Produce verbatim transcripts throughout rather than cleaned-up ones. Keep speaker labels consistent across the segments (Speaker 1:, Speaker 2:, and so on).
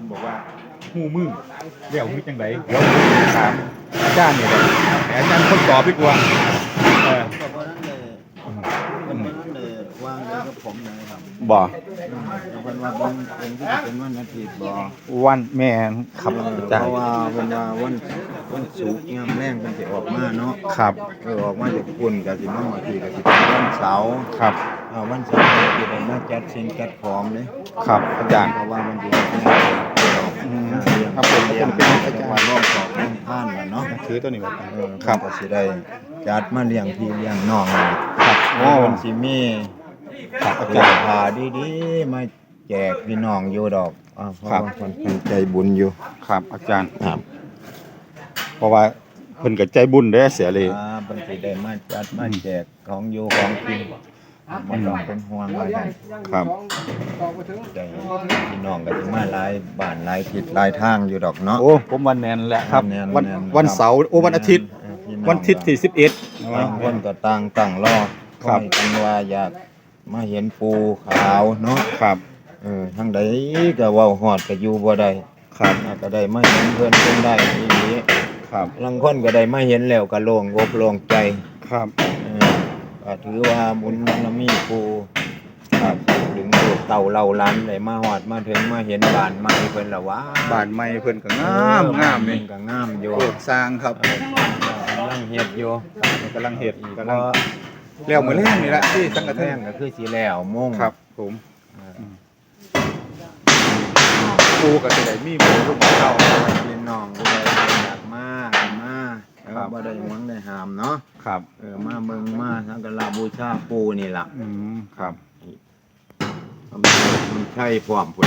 Speaker 1: พิ่นบอกว่าหู้มือเลี้ยวมือจังไดเดี๋ยวถามอาจารย์นี่แหละแต่อาจารย์คนตอบดีกว่าเออ
Speaker 2: ก็เพราะนั้นเลยมันเป็นนั้นเลยวางเลยกับผมเลยครับ
Speaker 1: บ่
Speaker 2: แล้วเพิ่นว่าเป็นเป็นที่จะเป็นวันอาทิตย์บ่
Speaker 1: วันแม่นครับอา
Speaker 2: เพ
Speaker 1: จารย์
Speaker 2: ราะว่าเพิ่นว่าวันวันศุกร์ยามแรงเพิ่นสิออกมาเนาะ
Speaker 1: ครับ
Speaker 2: เออออกมาจากปุ่นก็สิมาอาทิตย์ก็สิเป็นวันเสาร์
Speaker 1: ครับ
Speaker 2: อ่าวันเสาร์ก็สิได้มาจัดสิ่งจัดของเด้
Speaker 1: ครับอาจารย์
Speaker 2: เพราะว่ามันดี
Speaker 1: อืมครับผม
Speaker 2: เรียน
Speaker 1: เป็นอา
Speaker 2: จั
Speaker 1: จาง ร
Speaker 2: หวัด
Speaker 1: ย์
Speaker 2: ร่องสอบร่องท่านน่ะเนาะ
Speaker 1: ถือตัวนี้ไว้ก่อน
Speaker 2: เออ
Speaker 1: ครับ
Speaker 2: ก็สิได้จัดมาเลี้ยงพี่เลี้ยงน้องนี่
Speaker 1: ครับโอ้
Speaker 2: มันสิมี
Speaker 1: ครับอา
Speaker 2: เสื้
Speaker 1: จา
Speaker 2: อ
Speaker 1: รย์
Speaker 2: ผ้าดีๆมาแจกพี่น้องอยู่ดอกอ่าเพราะ
Speaker 1: ครับ
Speaker 2: ว่าคนเพิ่นใจบุญอยู่
Speaker 1: ครับอาจารย์
Speaker 2: ครับ
Speaker 1: เพราะว่าเพิ่นก็ใจบุญเด้อเสียเลย
Speaker 2: อ่าเพิ่นสิได้มาจัดมาแจกของอยู่ของกินบ่ต้องเป็นห่วงว่าซั่น
Speaker 1: ครับ
Speaker 2: ใจพี่น้องก็สิมาหลายบ้านหลายทิศหลายทางอยู่ดอกเนาะ
Speaker 1: โอ้ผมวันแมนแหละครับ
Speaker 2: แม่น
Speaker 1: วัน
Speaker 2: แม่น
Speaker 1: วันเสาร์โอ้วันอาทิตย์
Speaker 2: เออพี่อง
Speaker 1: วันอาทิตย์ที่สิบเอ็ด
Speaker 2: บางคนก็ต่างตั้งรอ
Speaker 1: ครับ
Speaker 2: อยกันว่าอยากมาเห็นปูขาวเนาะ
Speaker 1: ครับ
Speaker 2: เออทางใดก็เว้าฮอดก็อยู่บ่ได้
Speaker 1: ครับ
Speaker 2: อ่าก็ได้มาเห็นเพิ่นเพิ่นได้อีหลี
Speaker 1: ครับ
Speaker 2: ลางคนก็ได้มาเห็นแล้วก็โล่งอกโล่งใจ
Speaker 1: ครับ
Speaker 2: เออก็ถือว่าบุญบารมีปูครับถึงลูกเต่าเล่าหล้านได้มาฮอดมาถึงมาเห็นบ้านใหม่เพิ่นละว่า
Speaker 1: บ้านใหม่เพิ่นก็งามงามนี่
Speaker 2: เพิ่นก็งามอยู่
Speaker 1: โอ้สร้างครับ
Speaker 2: เออกำลังเฮ็ดอยู่
Speaker 1: กำลังเฮ็ด
Speaker 2: อีก
Speaker 1: กำ
Speaker 2: ก็
Speaker 1: ลังแล้วมื้อแรงนี่แหละที่สังกะแท
Speaker 2: แท่
Speaker 1: ง
Speaker 2: งก็คือสิแล้วโมง
Speaker 1: ครับ ผม
Speaker 2: เออ
Speaker 1: ปูก็สิได้มีหมู่ลูกเต้า
Speaker 2: พี่น้องด้วยอยากมาก็มาเออ
Speaker 1: ครับ
Speaker 2: บ่ได้หวังได้ห้ามเนาะ
Speaker 1: ครับ
Speaker 2: เออมาเบิ่งมาสักการะบูชาปูนี่ล่ะ
Speaker 1: อืมครับ
Speaker 2: ทำมันใช่พร้อมพุ่น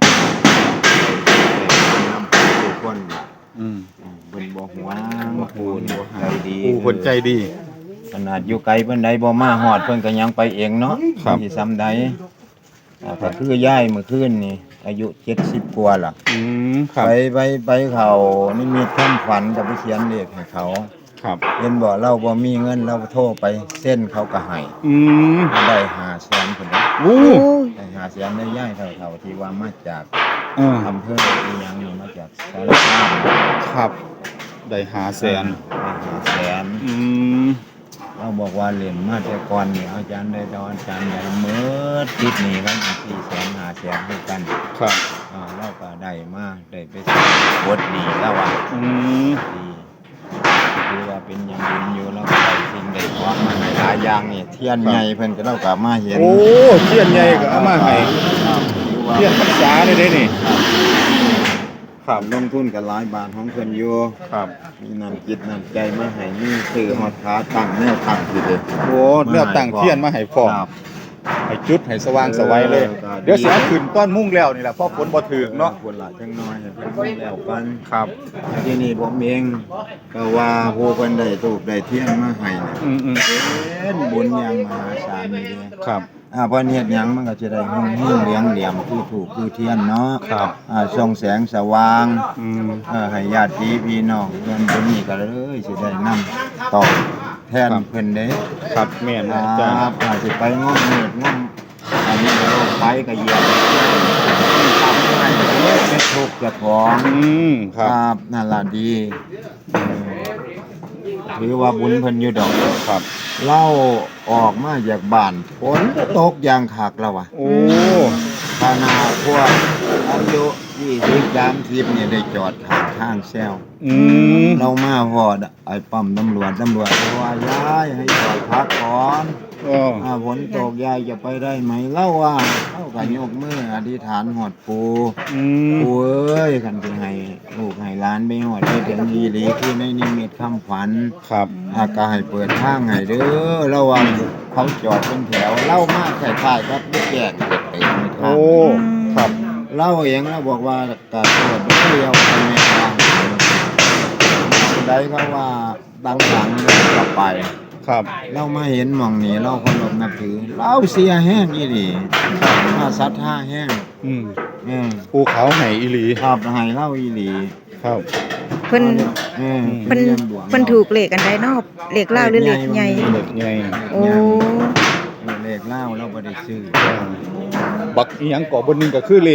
Speaker 2: นำทุกคน
Speaker 1: อืม
Speaker 2: เพิ่นบ่หวงปูนี่ใจดี
Speaker 1: ปูเพิ่นใจดี
Speaker 2: ขนาดอยู่ไกลเพิ่นใดบ่มาฮอดเพิ่นก็ยังไปเองเนาะ
Speaker 1: ครับ
Speaker 2: สิซ้ำใดอ่าก็คือย่ายเมื่อคืนนี่อายุเจ็ดสิบกว่าล่ะ
Speaker 1: อืมครับ
Speaker 2: ไปไปไปเขานี่มีท่านฝันกับไปเขียนเลขให้เขา
Speaker 1: ครับ
Speaker 2: เห็นบ่เราบ่มีเงินเราโทรไปเส้นเขาก็ให้
Speaker 1: อืม
Speaker 2: ได้ห้าแสนพุ่นเด้
Speaker 1: โอ้
Speaker 2: ได้ห้าแสนได้ย่ายเท่าๆที่ว่ามาจาก
Speaker 1: เออ
Speaker 2: อำเภออีหยังนี่มาจากสารคาม
Speaker 1: ครับ ได้หาแสน
Speaker 2: ได้ห้าแสน
Speaker 1: อืม
Speaker 2: เราบอกว่าเรียนมาแต่ก่อนนี่อาจารย์ได้ตอนอาจารย์ได้เมื่อติดหนี้กันสี่แสนห้าแสนด้วยกัน
Speaker 1: ครับ
Speaker 2: อ่าเราก็ได้มาได้ไปบทหนี้แล้วว่า
Speaker 1: อืม
Speaker 2: ดีคือว่าเป็นอย่างบุญอยู่แล้วก็ได้สิ่งได้ของมาให้หลายอย่างนี่เทียนใหญ่เพิ่นก็เราก็มาเห็น
Speaker 1: โอ้เทียนใหญ่ก็เอามาให้
Speaker 2: ครับถือว่า
Speaker 1: เทียนพรรษาเลยเด้นี่ ครับ
Speaker 2: ลงทุนกันหลายบาทของเพิ่นอยู่
Speaker 1: ครับ
Speaker 2: มีน้ำจิตน้ำใจมาให้มีซื้อฮอดขาตั้งแนวตั้งอยู่เด้อ
Speaker 1: โอ้เนื้อตั้งเทียนมาให้พร้อม
Speaker 2: ครับ
Speaker 1: ให้จุดให้สว่างสวัยเลย
Speaker 2: เออ
Speaker 1: เดี๋ยวสิเอาขึ้นต้นมุ่งแล้วนี่แหละเพราะฝนบ่ถึกเนาะ
Speaker 2: ควรละจังน้อยให้เพิ่นรู้แล้วกัน
Speaker 1: ครับ
Speaker 2: ที่นี่ผมเองก็ว่าผู้เพิ่นได้ทูบได้เทียนมาให้น่ะ
Speaker 1: อืมอืม
Speaker 2: เป็นบุญอย่างมหาศาลนี่เด้
Speaker 1: ครับ
Speaker 2: อ่าเพิ่นเฮ็ดหยังมันก็จะได้หุ่งหิ้งเลี้ยงเหลี่ยมคือถูกคือเทียนเนาะ
Speaker 1: ครับ
Speaker 2: อ่าส่องแสงสว่าง
Speaker 1: อืม
Speaker 2: เอ่อให้ญาติพี่น้องเพิ่นบุญนี่ก็เลยสิได้นำตอบแทนเพิ่นเด้
Speaker 1: ครับแม่น
Speaker 2: ค
Speaker 1: นะอาจาร
Speaker 2: รั
Speaker 1: ย์
Speaker 2: บอาจสิไปงอมเม็ดงอมอันนี้ก็โรคไปก็เหยียบทำให้เล็กเป็นทุกข์เจ้าของ
Speaker 1: อืมค
Speaker 2: ครับ รับนั่นล่ะดีเออถือว่าบุญเพิ่นอยู่ดอก
Speaker 1: ครับ
Speaker 2: เล่าออกมาจากบ้านฝนตกอย่างคักแล้วว่ะ
Speaker 1: โอ้
Speaker 2: ขนาดพวกอายุยี่สิบสามสิบเนี่ยได้จอดข้างข้างแซว
Speaker 1: อืม
Speaker 2: เรามาพอดไอ้ปั๊มตำรวจตำรวจบอกว่าย้ายให้จอดพักก่อน
Speaker 1: โอ้
Speaker 2: อ่าฝนตกยายจะไปได้ไหมเล่าว่าเล่ากันยกมืออธิษฐานหอดปู
Speaker 1: อืม
Speaker 2: ปูเอ้ยกันที่ให้ลูกให้หล้านไปหอดไปถึงยีหลีคือในนิมิตคำฝัน
Speaker 1: ครับ
Speaker 2: อากาให้เปิดทางให้เด้อเล่าว่าเขาจอดเป็นแถวเล่ามากคล้ายๆครับลูกแก่เด็กเต็มทา
Speaker 1: โอ้
Speaker 2: ง
Speaker 1: ครับ
Speaker 2: เล่าเองแล้วบอกว่ากาโทษเดียวไปไม่ทางได้เขาว่าดังหลังกลับไป
Speaker 1: ครับ
Speaker 2: เรามาเห็นหม่องนี้เราเคารพนับถือเราเสียแห้งอีหลีมาศรัทธาแห้ง
Speaker 1: อืม
Speaker 2: เออ
Speaker 1: ภูเขาไหอีหลี
Speaker 2: ครับให้เล่าอีหลี
Speaker 1: ครับ
Speaker 3: เพิ่น
Speaker 2: เออ
Speaker 3: เพิ่นเพิ่นถูกเลขอันใดเนอกเลขเล่าวหรือเลขใหญ่
Speaker 1: เด็กไง
Speaker 3: โอ้
Speaker 2: เลขเล่าเราบ่ได้ซื้อ
Speaker 1: บักอีหยังก่อบนหนึงก็คือเลข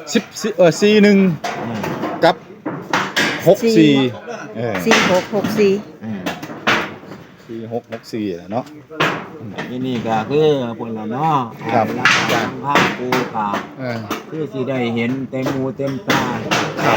Speaker 1: สิบสี่เออสี่หนึ่ง
Speaker 2: อืม
Speaker 1: กับหกสี่เออ
Speaker 3: สี่หกหกสี่
Speaker 2: อืม
Speaker 1: สี่หกหกสี่เนาะ
Speaker 2: ที่นี่ก็คือเพิ่นละเนาะ
Speaker 1: ครับ
Speaker 2: รักษาภาพปูกา
Speaker 1: เออ
Speaker 2: คือสิได้เห็นเต็มหูเต็มตา
Speaker 1: ครับ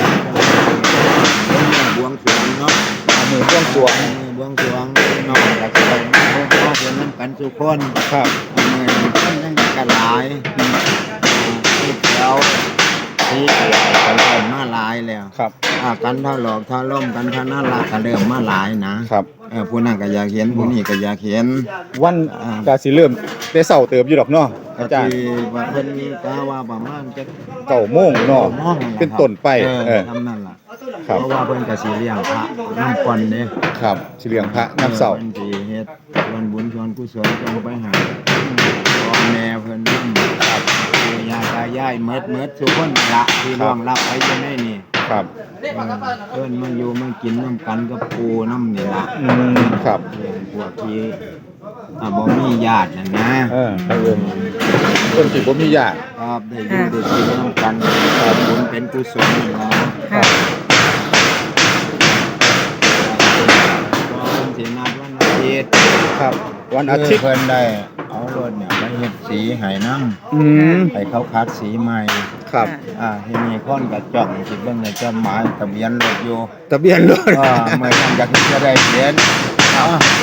Speaker 2: เป็นบวงสรวงเนาะ
Speaker 1: เอามือเครื่องสรวง
Speaker 2: มือบวงสรวงน้องก็สิได้มาพบพ่อเพิ่นนำกันทุกคน
Speaker 1: ครับ
Speaker 2: อันนี้คนยังกันหลายอืมที่แล้วที่หลายกันเริ่มมาหลายแล้ว
Speaker 1: ครับ
Speaker 2: อ่ากันเท่าหลอกเท่าล่มกันเท่าน่ารักกันเริ่มมาหลายนะครับ เออผู้นั้นก็อยากเห็นผู้นี้ก็อยากเห็น
Speaker 1: วัน
Speaker 2: อ่า
Speaker 1: กาสิเริ่มแต่เช้าเติบอยู่ดอกเนาะ
Speaker 2: ก็
Speaker 1: อาจารย์
Speaker 2: ที่ว่าเพิ่นก็ว่าประมาณจะ
Speaker 1: เก้าโมงเนาะ
Speaker 2: มองนั่นล่ะ
Speaker 1: เป็นต้นไป
Speaker 2: เอ
Speaker 1: เอ
Speaker 2: อ
Speaker 1: อ
Speaker 2: ทำนั่นล่ะ
Speaker 1: ครับ
Speaker 2: เพราะว่าเพิ่นก็สิเลี้ยงพระน้ำก่อนเด้
Speaker 1: ครับสิเลี้ยงพระน้ำเสา
Speaker 2: เพิ่นสิเฮ็ดส่วนบุญส่วนกุศลจงไปหาพ่อแม่เพิ่นนำครับปู่ย่าตายายเมิดเมิดทุกคนละที่ร่วงรับไปอยู่ในนี่
Speaker 1: ครับ
Speaker 2: เออเพิ่นมาอยู่มากินน้ำกันกับปู่น้ำนี่ล่ะ
Speaker 1: อืมครับ
Speaker 2: เออพวกที่อ่าบ่มีญาตินั่นนะ
Speaker 1: เออทางเอิ้นคนที่บ่มีญาติ
Speaker 2: ครับได้อยู่ได้กินน้ำกันครับบุญเป็นกุศลนี่ล่ะ
Speaker 3: ค่ะ
Speaker 2: ก็เพิ่นสินัดวันอาทิตย์
Speaker 1: ครับ วันอาทิตย์
Speaker 2: เพิ่นได้เอารถเนี่ยไปเฮ็ดสีให้นำ
Speaker 1: อืม
Speaker 2: ให้เขาคัดสีใหม่
Speaker 1: ครับ
Speaker 2: อ่าที่นี่คนก็จ้องสิเบิ่งในจดหมายทะเบียนรถอยู่
Speaker 1: ทะเบียนรถ
Speaker 2: อ่าเมื่อนั้นก็คือจะได้เขียนอ่า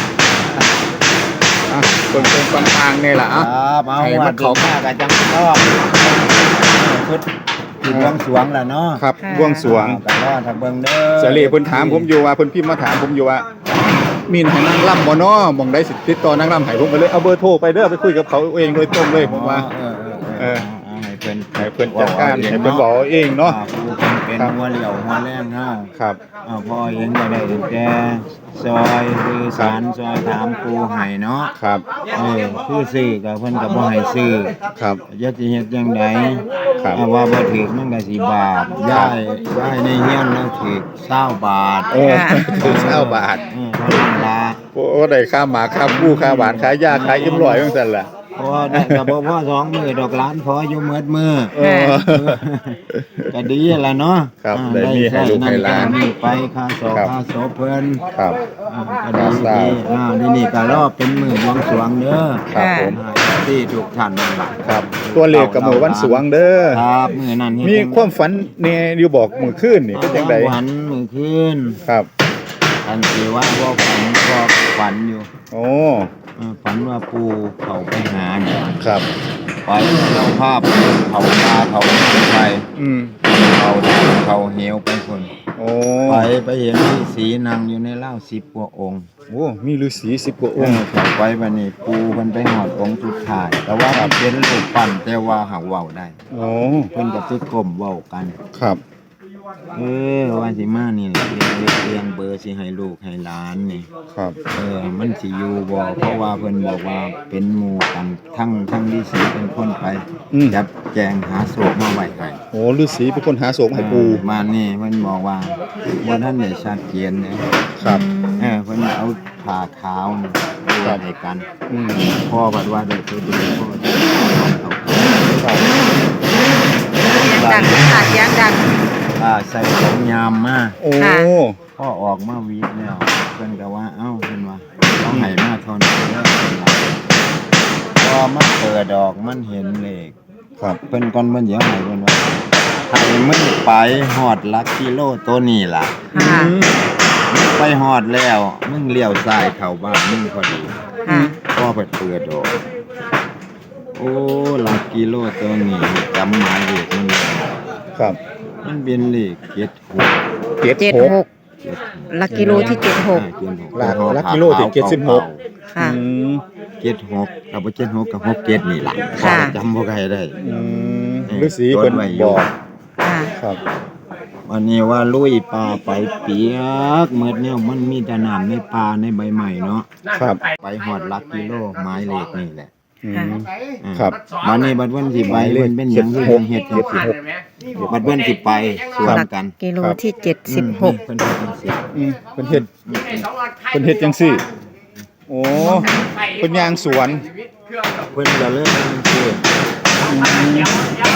Speaker 1: อ่ะคนเป็นฟังทางนี่ล่ะ
Speaker 2: ค
Speaker 1: อ่ะ
Speaker 2: รับเอา
Speaker 1: ให้
Speaker 2: ว่า
Speaker 1: มัน
Speaker 2: เขา
Speaker 1: เขา
Speaker 2: มาก็จังก็พุทธที่บวงสรวงล่ะเนาะ
Speaker 1: ครับ
Speaker 3: ค่ะ
Speaker 1: บวงสรวง
Speaker 2: ก็รอถ้าเบิ่งเด้อ
Speaker 1: เสรีเพิ่นถามผมอยู่ว่าเพิ่นพิมพ์มาถามผมอยู่ว่ามีนให้นางร่ำบ่น้อหม่องได้สิติดต่อนางร่ำให้ผมก็เลยเอาเบอร์โทรไปเด้อไปคุยกับเขาเองโดยตรงเลยผมว่า
Speaker 2: เออ
Speaker 1: เอ
Speaker 2: เอ
Speaker 1: อ
Speaker 2: อเออให้เพิ่น
Speaker 1: ให้เพิ่นจัดการให้เพิ่นบอกเองเนาะ
Speaker 2: อ่ผู้เพิ่นเป็นหัวเหลี่ยวหัวแรงเฮา
Speaker 1: ครับ
Speaker 2: อ่าพ่อเองก็ได้ตั้งแต่ซอยคือสารซอยถามปูให้เนาะ
Speaker 1: ครับ
Speaker 2: เออคือซื้อก็เพิ่นก็บ่ให้ซื้อ
Speaker 1: ครับ
Speaker 2: จะสิเฮ็ดจังได
Speaker 1: ครับ
Speaker 2: อ่าว่าบ่ถูกมันก็สิบาปย้ายย้ายในเฮียนแล้วถูกเก้าบาท
Speaker 1: โอ้ถึงเก้าบาท
Speaker 2: เออเท่านั้นล่ะ
Speaker 1: โอ้ได้ค่าหมาค่าผู้ค่าหวานค่ายาค่าอิ่มร้อยจังซั่นล่ะ
Speaker 2: เพราะว่าได้ก็บ่พอสองมื้อดอกหลานพออยู่หมดมื้อ
Speaker 1: เออ
Speaker 2: ก็ดีล่ะเนาะ
Speaker 1: ครับ
Speaker 2: อ่า
Speaker 1: ได้มีให้ลูกให้หลาน
Speaker 2: ได้ใช้นั่นไปค่าสอบ
Speaker 1: ครับ
Speaker 2: ค่าศพเพิ่น
Speaker 1: ครับ
Speaker 2: อ่าก็ดี
Speaker 1: ครับ
Speaker 2: ดีอ่านี่นี่ก็รอบเป็นมื้อบวงสรวงเด้อ
Speaker 1: ครับผม
Speaker 2: อ่าที่ทุกท่านนั่นล่ะ
Speaker 1: ครับ ตัวเลขกับมือวันสวงเด้อ
Speaker 2: ครับมื้อนั้นเฮ็ด
Speaker 1: มี
Speaker 2: จัง
Speaker 1: ความฝันแน่อยู่บอกมื้อคืนนี่เป็นจังได๋
Speaker 2: ฝันมื้อคืน
Speaker 1: ครับ
Speaker 2: อันที่ว่าบ่ฝันก็ฝันอยู่
Speaker 1: โอ้
Speaker 2: เออฝันว่าปู่เขาไปหาเนี่ย
Speaker 1: ครับ
Speaker 2: ไปเอาภาพเขาตาเขาไป
Speaker 1: อืม
Speaker 2: เขาดำเขาเหวไปคน
Speaker 1: โอ้
Speaker 2: ไปไปเห็นที่สีนางอยู่ในเล่าสิบกว่าองค์
Speaker 1: โอ้มีฤาษีสิบกว่า
Speaker 2: อ
Speaker 1: อง งค์
Speaker 2: เข้าไปบัดนี้ปูมันไปหอดองค์สุดท้าย แต่ว่ามันเป็นรูปปั้นแต่ว่าหักเว้าได้
Speaker 1: โอ้
Speaker 2: เพิ่นก็สิก้มเว้ากัน
Speaker 1: ครับ
Speaker 2: เออว่าสิมานี่แหละเรียงเรียงเรียงเบอร์สิให้ลูกให้หลานนี่
Speaker 1: ครับ
Speaker 2: เออมันสิอยู่บ่เพราะว่าเพิ่นบอกว่าเป็นหมู่กันทั้งทั้งฤาษีเป็นคนไป
Speaker 1: อืม
Speaker 2: จับแจงหาโศกมาไว้ให้
Speaker 1: โอ้ฤาษีเป็นคนหาโศกให้ปู
Speaker 2: เออมานี่เพิ่นบอกว่าบ่ทันได้ชัดเจนเลย
Speaker 1: ครับ
Speaker 2: เออเพิ่นเอาผ้าขาวนี่วางให้กัน
Speaker 1: อืม
Speaker 2: พ่อบัดว่าได้ตัวเดียวพ่อจะเอา
Speaker 1: ครับ
Speaker 3: ดังค่ะเสียงดัง
Speaker 2: อ่าใส่ของยามมา
Speaker 1: โอ้
Speaker 3: ค่ะ
Speaker 2: พ่อออกมาวีดแล้วเพิ่นก็ว่าเอ้าเพิ่นว่าต้องให้มาเทนเด้อเพิ่นว่าพอมันเปิดดอกมันเห็นเลข
Speaker 1: ครับ
Speaker 2: เพิ่นก่อนเพิ่นเดี๋ยวให้เพิ่นว่าให้มึงไปฮอดหลักกิโลตัวนี้ล่ะ
Speaker 3: ค่ะ
Speaker 1: อืม
Speaker 2: ไปฮอดแล้วมึงเลี้ยวซ้ายเข้าบ้านมึงพอดี
Speaker 3: ค่ะ
Speaker 2: พ่อเปิดเปิดดอกโอ้หลักกิโลตัวนี้จำหมายเลขมันได้
Speaker 1: ครับ
Speaker 2: มันเป็นเลขเจ็ดหก
Speaker 1: เจ็ด
Speaker 3: เจ็ด
Speaker 1: หก
Speaker 3: หกหลักกิโลที่เจ็ดหก
Speaker 1: หลักหลักกิโลที่เจ็ดสิบหก
Speaker 3: ค่ะ
Speaker 1: อืม
Speaker 2: เจ็ดหกกับเจ็ดหกกับหกเจ็ดนี่ล่ะ
Speaker 3: ค่ะ
Speaker 2: จำบ่ได้ได้
Speaker 1: อืมฤาษีเพิ่นบอก
Speaker 3: ค่ะ
Speaker 1: ครับ
Speaker 2: วันนี้ว่าลุยป่าไปเปียกเมื่อเนี่ยมันมีแต่น้ำในป่าในใบใหม่เนาะ
Speaker 1: ครับ
Speaker 2: ไปหอดหลักกิโลไม้เลขนี่แหละ
Speaker 1: อืม
Speaker 2: อ่า
Speaker 1: ครับ
Speaker 2: วันนี้บัดวันสิไปเพิ่นเป็นหยังคือเพิ่นเฮ็ดจังซี่บัดวันสิไปสวน
Speaker 3: หลัก
Speaker 2: กัน
Speaker 3: กิโลที่เจ็ดสิบหก
Speaker 2: อืมเพิ่นเฮ็ดจังซี่
Speaker 1: อืมเพิ่นเฮ็ดเพิ่นเฮ็ดจังซี่ โอ้เพิ่นย่างสวน
Speaker 2: เพิ่นก็เลยจังซี่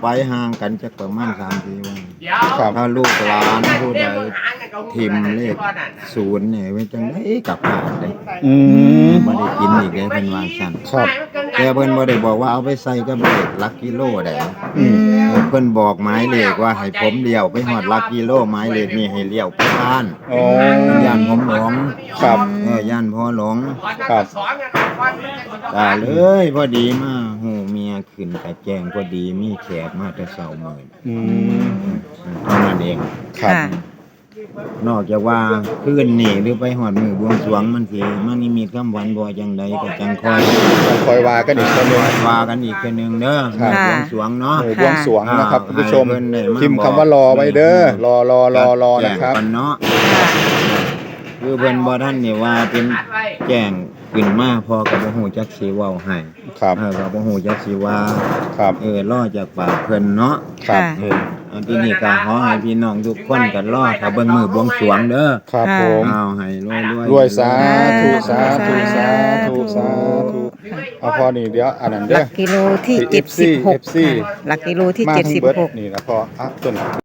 Speaker 2: ไปห่างกันจักประมาณสามสี่วัน
Speaker 1: ครับ
Speaker 2: ถ้าลูกหลานผู้ใดทิมเลขศูนย์เนี่ยไว้จังได๋กลับบ้านได้
Speaker 1: อืม
Speaker 2: บ่ได้กินอีกได้เพิ่นว่าซั่น
Speaker 1: ครับ
Speaker 2: แต่เพิ่นบ่ได้บอกว่าเอาไปใส่กับเลขหลักกิโลได้
Speaker 1: อืม
Speaker 2: เพิ่นบอกหมายเลขว่าให้ผมเลี้ยวไปฮอดหลักกิโลหมายเลขนี่ให้เลี้ยวไปบ้าน
Speaker 1: อ๋อ
Speaker 2: ย่านผมหลง
Speaker 1: ครับ
Speaker 2: เออย่านพ่อหลง
Speaker 1: ครับ
Speaker 2: ตาเลยพอดีมาหูเมียขึ้นกะแจงพอดีมีแขกมาแต่เช้ามื้อ
Speaker 1: อืม
Speaker 2: เท่านั้นเอง
Speaker 1: ครับ
Speaker 3: ค่ะ
Speaker 2: นอกจากว่าคืนนี้หรือไปฮอดมื้อบวงสรวงมันสิมันนี่มีคำหวันบ่จังใดก็จังคอย
Speaker 1: ต้องคอยว่ากันอีกคนหนึง
Speaker 2: ว่ากันอีกเทื่อนึงเด้อ
Speaker 1: ครับ
Speaker 2: บวงสรวงเนาะ
Speaker 1: หมู่บวงสรวงนะครับคุณผู้ชม
Speaker 2: ให้เพิ่นได้มา
Speaker 1: พิมพ์คำว่ารอไว้เด้อรอรอรอรอ
Speaker 2: แจ้
Speaker 1: นะ
Speaker 2: ง
Speaker 1: ครับ
Speaker 2: กันเนาะ
Speaker 3: ค่ะ
Speaker 2: คือเพิ่นบ่ทันนี่ว่าเป็นแจ้งขึ้นมาพอก็บ่ฮู้จักสิเว้าให้
Speaker 1: ครับ
Speaker 2: เออก็บ่ฮู้จักสิว่า
Speaker 1: ครับ
Speaker 2: เออรอจากปากเพิ่นเนาะ
Speaker 1: ครับ
Speaker 2: เอออันที่นี่ก็ขอให้พี่น้องทุกคนกันรอถ้าเบิ่งมือบวงสรวงเด้อ
Speaker 1: ครับผม
Speaker 2: เอาให้รวยรวย
Speaker 1: รวยสาธุสาธุสาธุสาธุเอาพอนี่เดี๋ยวอันนั้น
Speaker 3: ห
Speaker 1: เด้
Speaker 3: ลั
Speaker 1: อก
Speaker 3: กิโลที่
Speaker 1: ที่
Speaker 3: เจ็ดสิบหก
Speaker 1: เอฟซี
Speaker 3: ค่ะหลักกิโลที่
Speaker 1: มา
Speaker 3: เจ็ด
Speaker 1: ทั้
Speaker 3: สิ
Speaker 1: ง
Speaker 3: บ
Speaker 1: เบิด
Speaker 3: หก
Speaker 1: นี่นะพออ่ะต้น